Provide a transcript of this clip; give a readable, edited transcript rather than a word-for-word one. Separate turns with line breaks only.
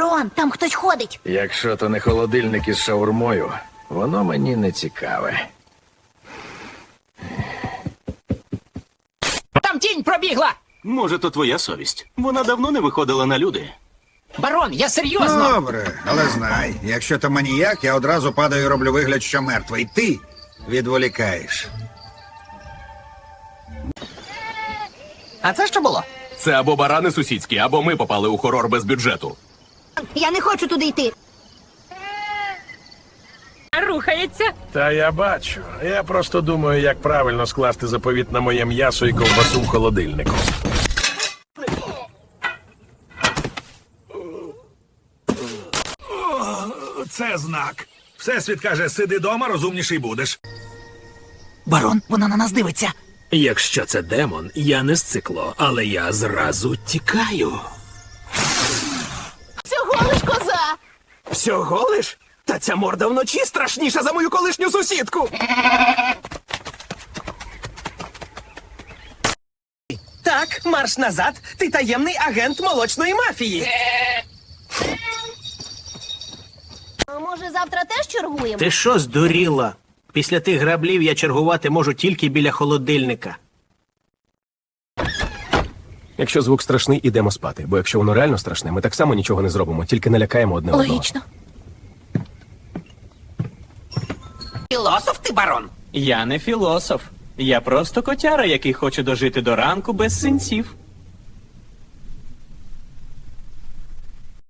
Барон, там хтось ходить.
Якщо то не холодильник із шаурмою, воно мені не цікаве.
Там тінь пробігла!
Може, то твоя совість. Вона давно не виходила на люди.
Барон, я серйозно!
Добре, але знай, якщо то маніяк, я одразу падаю і роблю вигляд, що мертвий. Ти відволікаєш.
А це що було?
Це або барани сусідські, або ми попали у хорор без бюджету.
Я не хочу туди йти.
Рухається.
Та я бачу. Я просто думаю, як правильно скласти заповіт на моє м'ясо і ковбасу в холодильнику. Це знак. Всесвіт каже, сиди дома, розумніший будеш.
Барон, вона на нас дивиться.
Якщо це демон, я не з цикло, але я зразу тікаю.
Всього лиш коза.
Всього лиш? Та ця морда вночі страшніша за мою колишню сусідку.
Так, марш назад. Ти таємний агент молочної мафії.
А може завтра теж чергуємо?
Ти що здуріла? Після тих граблів я чергувати можу тільки біля холодильника.
Якщо звук страшний, ідемо спати. Бо якщо воно реально страшне, ми так само нічого не зробимо, тільки налякаємо одне одного.
Логічно.
Філософ ти, барон?
Я не філософ. Я просто котяра, який хоче дожити до ранку без синців.